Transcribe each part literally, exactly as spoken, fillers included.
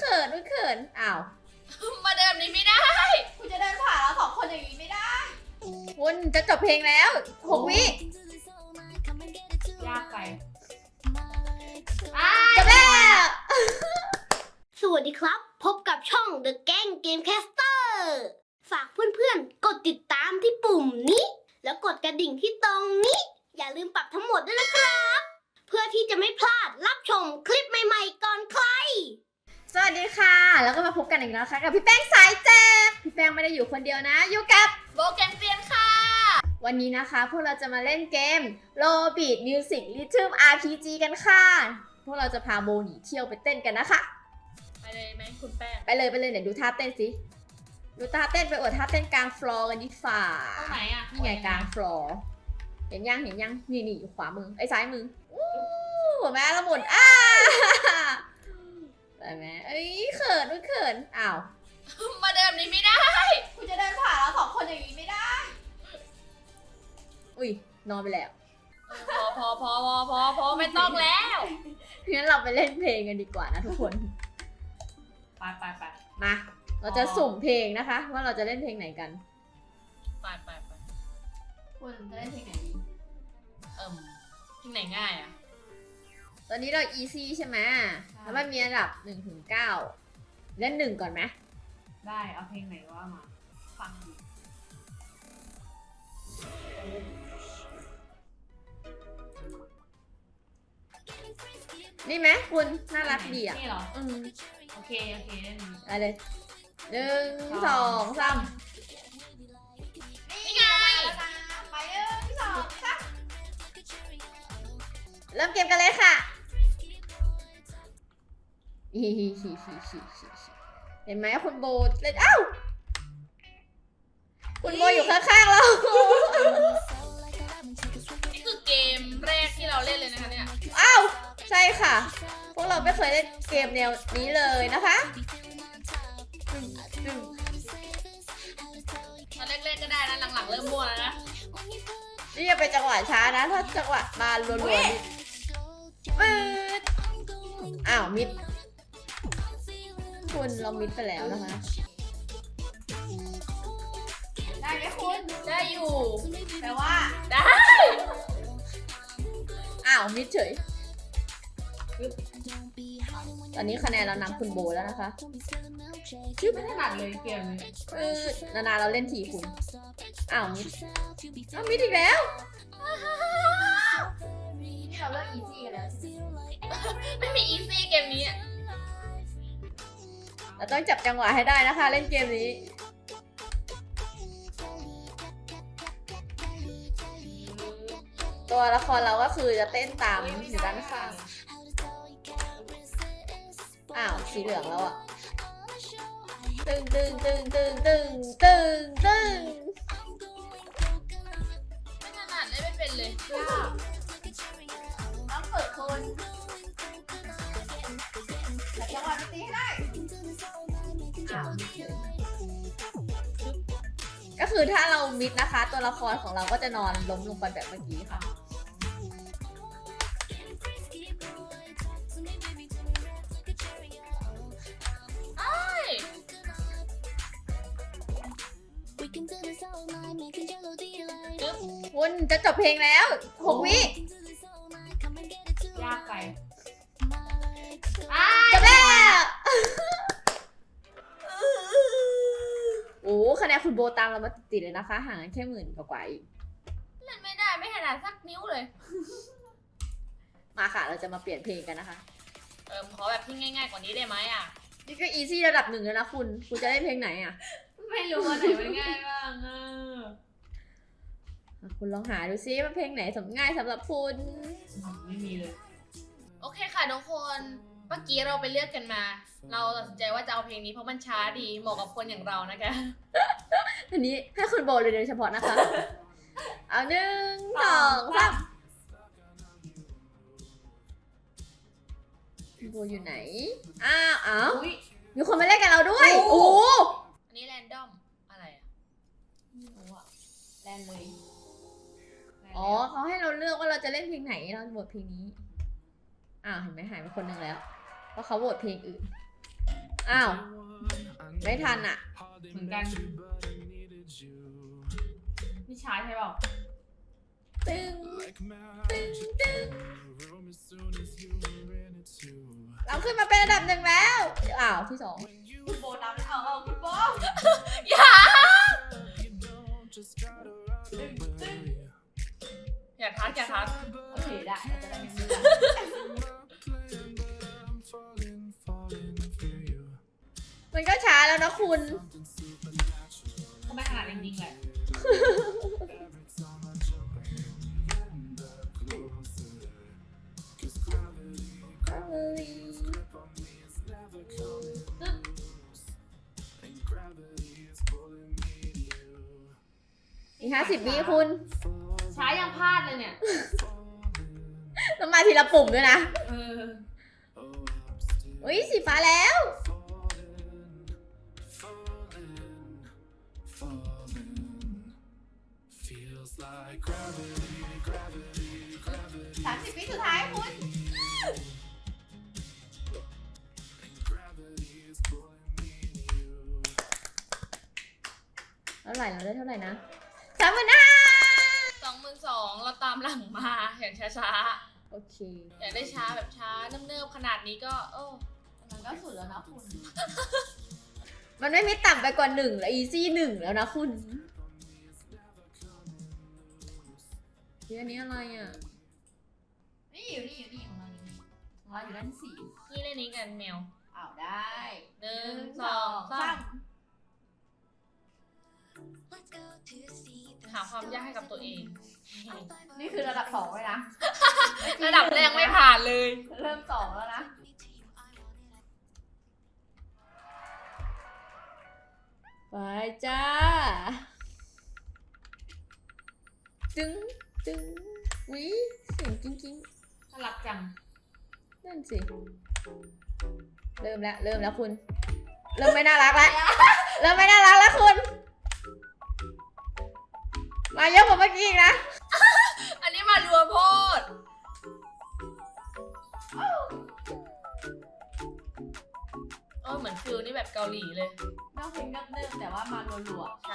ขินอุ้ยเขินอ้าวมาเดินนี้ไม่ได้คุณจะเดินผ่านเราสองคนอย่างนี้ไม่ได้คุณจะจบเพลงแล้วหกวิยากไปจบแล้วสวัสดีครับพบกับช่อง The Gang Gamecaster ฝากเพื่อนๆกดติดตามที่ปุ่มนี้แล้วกดกระดิ่งที่ตรงนี้อย่าลืมปรับทั้งหมดด้วยนะครับเพื่อที่จะไม่พลาดรับชมคลิปใหม่ๆก่อนใครสวัสดีค่ะแล้วก็มาพบกันอีกแล้วค่ะกับพี่แป้งสายแจ๊บพี่แป้งไม่ได้อยู่คนเดียวนะอยู่กับโบแกนเตียนค่ะวันนี้นะคะพวกเราจะมาเล่นเกม Robit Music Rhythm อาร์ พี จี กันค่ะพวกเราจะพาโบหนีเที่ยวไปเต้นกันนะคะไปเลยไหมคุณแป้งไปเลยไปเลยเนี่ยดูท่าเต้นสิดูท่าเต้นไปอวดท่าเต้นกลางฟลอร์กันดิฝ่าตรงไหนอ่ะนี่ไงกลางฟลอร์เห็นยังเห็นยังนี่นี่อยู่ขวามือไอ้ซ้ายมืออู้แม่ละหมุนอ้าไปไหมเอ้ยเขินอุ้ยเขินอ้าวมาเดินนี้ไม่ได้คุณจะเดินผ่านเราสองคนอย่างนี้ไม่ได้อุ้ยนอนไปแล้วพอพอพอพอพอพอไม่ต้องแล้วงั้นเราไปเล่นเพลงกันดีกว่านะทุกคนไปไปไปมาเราจะสุ่มเพลงนะคะว่าเราจะเล่นเพลงไหนกันไปไปไปคุณจะเล่นเพลงไหนดีเอิ่มเพลงไหนง่ายอ่ะตอนนี้เรา easy ใช่ไหมแล้วมันมีอันดับหนึ่งถึงเก้าเล่นหนึ่งก่อนไหมได้เอาเพลงไหนว่ามาฟังดูนี่ไหมคุณน่ารักดีอ่ะนี่เหรออืมโอเคโอเคเล่นไปเลยหนึ่งสองสามนี่ไงไปหนึ่งสองสามเริ่มเกมกันเลยค่ะฮิฮิฮิฮิฮิฮิเห็นไหมคุณโบเล่นอ้าวคุณโบอยู่ข้างๆเรานี่คือเกมแรกที่เราเล่นเลยนะคะเนี่ยอ้าวใช่ค่ะพวกเราไม่เคยเล่นเกมแนวนี้เลยนะคะตอนแรกๆก็ได้นะหลังๆเริ่มมั่วแล้วนะนี่จะเป็นจังหวะช้านะถ้าจังหวะมารัวๆนี่ปืดอ้าวมิดคุณเรามิดไปแล้วนะคะได้ไหมคุณได้อยู่แต่ว่าได้อ้าวมิดเฉยตอนนี้คะแนนเรานำคุณโบแล้วนะคะชื่อไม่ถนัดเลยเกมนี้เออนาๆเราเล่นทีคุณอ้าวมิดอ้าวมิดอีกแล้วนี่เราเลิกอีซี่กันแล้วไม่มีอีซี่เกมนี้เราต้องจับจังหวะให้ได้นะคะเล่นเกมนี้ตัวละครเราก็คือจะเต้นตามอยู่ด้านข้างอ้าวสีเหลืองแล้วอ่ะตึงตึงตึงตึงตึงตึงตึงไม่ถนัดเลยไม่เป็นเลยต้องฝึกคนแต่จังหวะตีให้ได้ก็คือถ้าเรามิดนะคะตัวละครของเราก็จะนอนล้มลงไปแบบเมื่อกี้ค่ะคุณจะจบเพลงแล้วหกวิยากไปจบแล้วโอ้คะแนนคุณโบตามเรามาติดๆเลยนะคะห่างกันแค่หมื่นกว่าๆอีกเล่นไม่ได้ไม่ถนัดสักนิ้วเลยมาค่ะเราจะมาเปลี่ยนเพลงกันนะคะเออขอแบบที่ง่ายๆกว่านี้ได้ไหมอ่ะนี่ก็อีซี่ระดับหนึ่งแล้วนะคุณคุณจะได้เพลงไหนอ่ะไม่รู้ว่าไหนมันง่ายบ้างอ่ะคุณลองหาดูซิว่าเพลงไหนสำง่ายสำหรับคุณไม่มีเลยโอเคค่ะทุกคนเมื่อกี้เราไปเลือกกันมาเราตัดสินใจว่าจะเอาเพลงนี้เพราะมันช้าดีเหมาะกับคนอย่างเรานะคะอันนี้ให้คุณโบเลยโดยเฉพาะนะคะเอาหนึ่งสองสามโบอยู่ไหนอ้าวอ้าวมีคนมาเล่นกับเราด้วยโอ้อันนี้แรนดอมอะไรอ่ะแรนเลยอ๋อเขาให้เราเลือกว่าเราจะเล่นเพลงไหนเราโหวตเพลงนี้อ้าวเห็นไหมหายไปคนหนึ่งแล้วเพราะเขาโหวตเพลงอื่นอ้าว ไม่ทันอ่ะเหมือนกันนี่ช้าใช่เปล่าตึงตึงตึงเราขึ้นมาเป็นอันดับหนึ่งแล้ว อ้าว ที่สองคุณโบนำเอาเอาคุณโบอย่าอย่าทักอย่าทักโอเคได้เราจะได้ไม่รู้มันก็ช้าแล้วนะคุณก็ไม่ขนาดจริงๆแหละอีกห้าสิบวิคุณช้ายังพลาดเลยเนี่ยต้องมาทีละปุ่มด้วยนะเอออุ้ยสีฟ้าแล้วสามสิบวิสุดท้ายคุณเท่าไหร่เราได้เท่าไหร่นะสามหมื่นห้าสองหมื่นสองเราตามหลังมาอย่างช้าโอเคๆ อยากได้ช้าแบบช้าเนิบๆขนาดนี้ก็เออมันก็สุดแล้วนะคุณมันไม่มีต่ำไปกว่าหนึ่งแล้วอีซี่หนึ่งแล้วนะคุณเรื่องนี้อะไรอ่ะนี่อยู่นี่อยู่นี่ของเราอยู่นี่ของเราอยู่ด้านสี่นี่เล่นนี้กันแมวอ้าวได้หนึ่งสองสามหาความยากให้กับตัวเองนี่คือระดับสองเลยนะระดับแรกไม่ผ่านเลยเริ่มสองแล้วนะไปจ้า ตึงตึงวิเสียงกิ้งกิ้งน่ารักจังนั่นสิ เริ่มแล้ว เริ่มแล้วคุณ เริ่มไม่น่ารักแล้ว เริ่มไม่น่ารักแล้วคุณ มาเยอะกว่าเมื่อกี้อีกนะอันนี้มารัวโพดโอ้ยเหมือนฟิลนี่แบบเกาหลีเลยนอกเพลงเนิบๆแต่ว่ามารัวใช่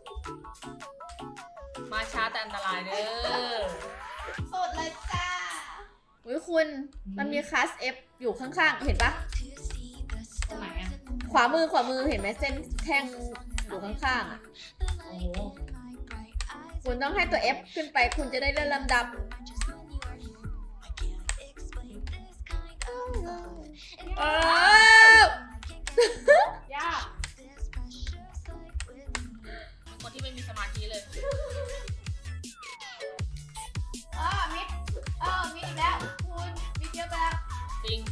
มาช้าแต่อันตรายเด้อๆสุดเลยจ้าอุ้ยคุณ มันมีคลาส F อยู่ข้างๆ เห็นปะตรงไหนอ่ะขวามือขวามือเห็นไหมเส้นแท่งอยู่ข้างๆอ่ะโอ้โหคุณต้องให้ตัว F ขึ้นไปคุณจะได้เลื่อนลำดับ เออยากเป็นคนที่ไม่มีสมาธิเลยเออมิดเออมิดอีกแล้วคุณมิดเยอะไปแล้วจริง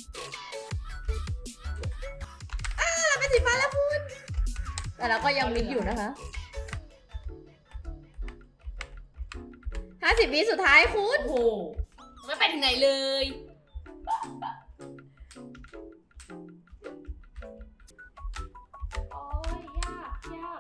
เราเป็นสีฟ้าแล้วคุณ แต่เราก็ยังมิดอยู่นะคะห้าสิบวิสุดท้ายคุณโอ้โห ไม่ไปถึงไหนเลยโอ้ยยากยาก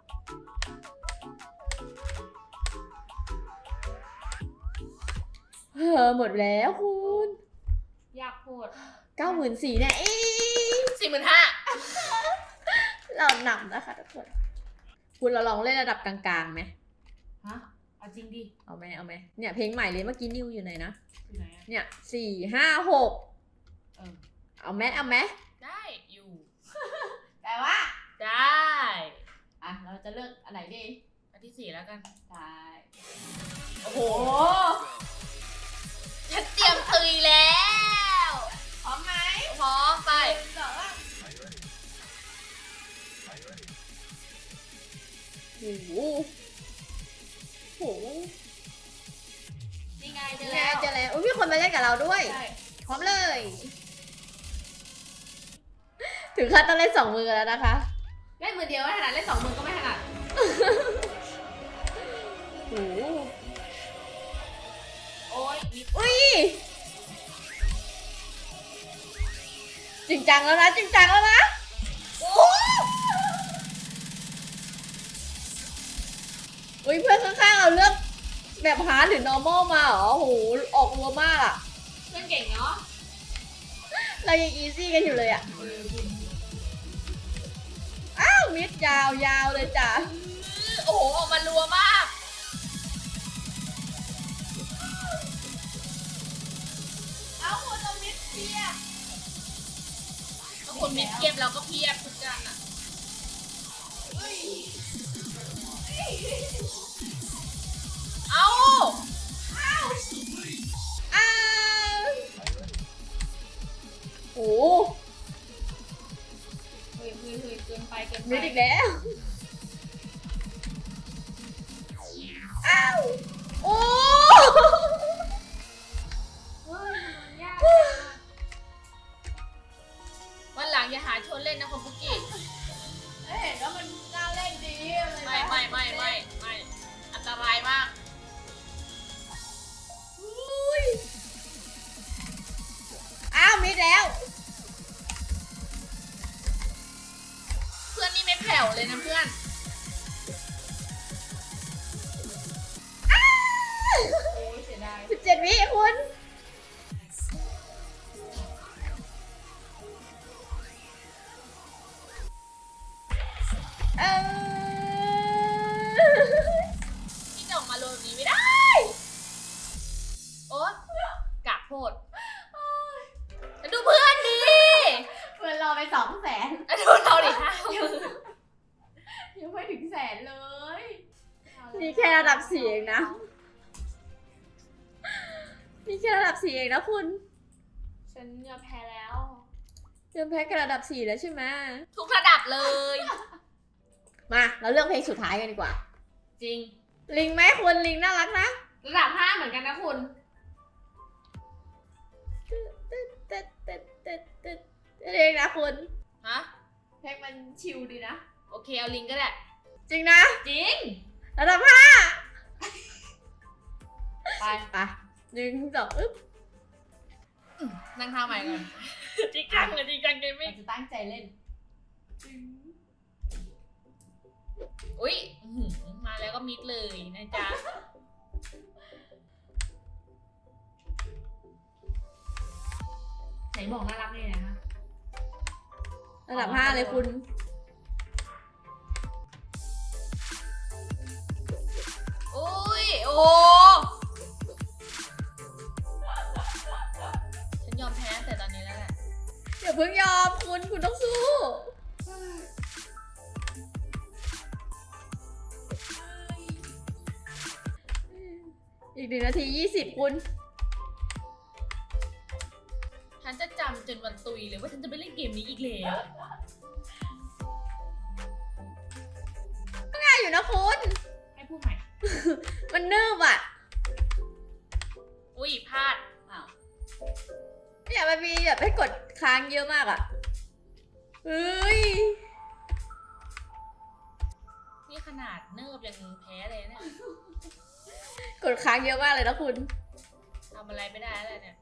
เออหมดแล้วคุณยากโคตรเก้าหมื่นสี่เนี่ยอีสี่หมื่นห้าเราหนำนะคะทุกคน คุณเราลองเล่นระดับกลางๆไหมฮะ เอาจริงดิเอาไหมเอาไหมเนี่ยเพลงใหม่เลยเมื่อกี้นิวอยู่ไหนนะอยู่ไหนอ่ะเนี่ยสี่ห้าหกเออเอาไหมเอาไหมได้อยู่แต่ว่าได้อ่ะเราจะเลือกอันไหนดีอันที่สี่แล้วกันได้โอ้โหโอ้ฉันเตรียมตุยแล้วพร้อมไหมพร้อมไปหนึ่งสองสามโอ้โหโอ้โหนี่ไงเจอแล้แล้ว วเจอแล้วอุ้ยมีคนมาเล่นกับเราด้วยใช่พร้อมเลย ถึงขั้นต้องเล่นสองมือแล้วนะคะเล่นมือเดียวไม่ถนัดเล่นสองมือก็ไม่ถนัดโอ้โหโอ้ยมิดอุ้ยจริงจังแล้วนะจริงจังแล้วนะโอ้อุ้ยเพื่อนข้างๆเอาเลือกแบบฮาร์ดหรือ normal มาเหรอโอ้โหออกรัวมากอะเพื่อนเก่งเนาะเรายัง easy กันอยู่เลยอะเออคุณมิดยาวยาวเลยจ้ะโอ้โหออกมารัวมากเอาคุณเอามิดเพียบถ้าคนมีเพียบเราก็เพียบทุกกันอ่ะเฮ้ยเอ้าอ้าวโอ้เฮ้ยเฮ้ยเฮ้ยเกินไปเกินไปมิดอีกแล้วอ้าวโอ้เฮ้ยมันยากวันหลังอย่าหาชวนเล่นนะคุณปุกกี้เอ้ยเห็นว่ามันน่าเล่นดีเลยไม่ไม่ไม่ไม่ไม่อันตรายมากอุ้ยอ้าวมิดแล้วเพื่อนนี่ไม่แผ่วเลยนะเพื่อนโอ้ยเสียดายสิบเจ็ดวิคุณเออที่จะออกมาโรยแบบนี้ไม่ได้ โอ๊ยกากโพดดูเพื่อนดิเพื่อนเราไปสองแสนดูเราดิห้าหมื่นยังไม่ถึงแสนเลยนี่แค่ระดับสี่เองนะ นี่แค่ระดับสี่เองนะคุณฉันยอมแพ้แล้วเริ่มแพ้กับระดับสี่แล้วใช่ไหมทุกระดับเลยมาเราเลือกเพลงสุดท้ายกันดีกว่าจริงลิงไหมคุณลิงน่ารักนะระดับห้าเหมือนกันนะคุณตึ๊ดตึ๊ดตึ๊ดตึ๊ดตึ๊ดเพลงนะคุณฮะเพลงมันชิลดีนะโอเคเอาลิงก็ได้จริงนะจริงระดับห้าไปไปหนึ่งสองอึ๊บนั่งท่าใหม่ก่อน จริงจังเลยจริงจังเกมมิ่เรางจะตั้งใจเล่นอุ้ยอื้อหือมาแล้วก็มิดเลยนะจ๊ะ ไหนบอกน่ารักเลยนะคะระดับห้าเลยคุณอุ้ยโอ้โหฉันยอมแพ้แต่ตอนนี้แล้วแหละอย่าเพิ่งยอมคุณคุณต้องสู้ อีกหนึ่งนาทียี่สิบคุณฉันจะจำจนวันตุยเลยว่าฉันจะไม่เล่นเกมนี้อีกแล้วง่ายอยู่นะคุณให้พูดใหม่มันนืบอ่ะอุ้ยพลาดอ้าวเนี่ยมันมีแบบให้กดค้างเยอะมากอ่ะเฮ้ยนี่ขนาดเนิบยังแพ้เลยเนี่ยกดค้างเยอะมากเลยนะคุณทำอะไรไม่ได้แล้วเนี่ย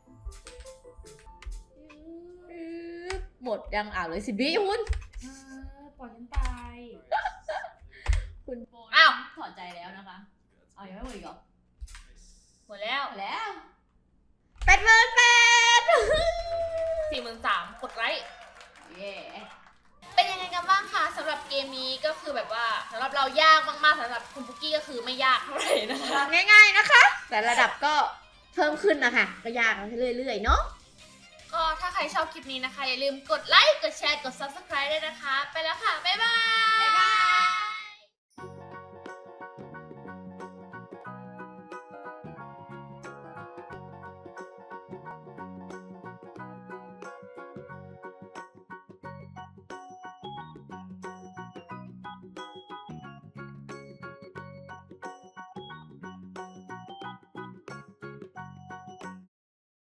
หมดยังอ่าวเลยสิบิคุณปล่อยฉันตายคุณอ้าวถอดใจแล้วนะคะเอายังไม่หมดอีกเหรอหมดแล้วหมดแล้วแปดหมื่นแปดสี่หมื่นสามกดไลค์เย้เป็นยังไงกันบ้างคะสำหรับเกมนี้ก็คือแบบว่าสำหรับเรายากมากๆสำหรับคุณปุกกี้ก็คือไม่ยากเท่าไหร่นะคะง่ายๆนะคะ แต่ระดับก็เพิ่มขึ้นนะคะ ก็ยากขึ้นเรื่อยๆเนาะก็ถ้าใครชอบคลิปนี้นะคะ อย่าลืมกดไลค์ กดแชร์ กด ซับสไครบ์ ด้วยนะคะ ไปแล้วค่ะ บ๊ายบาย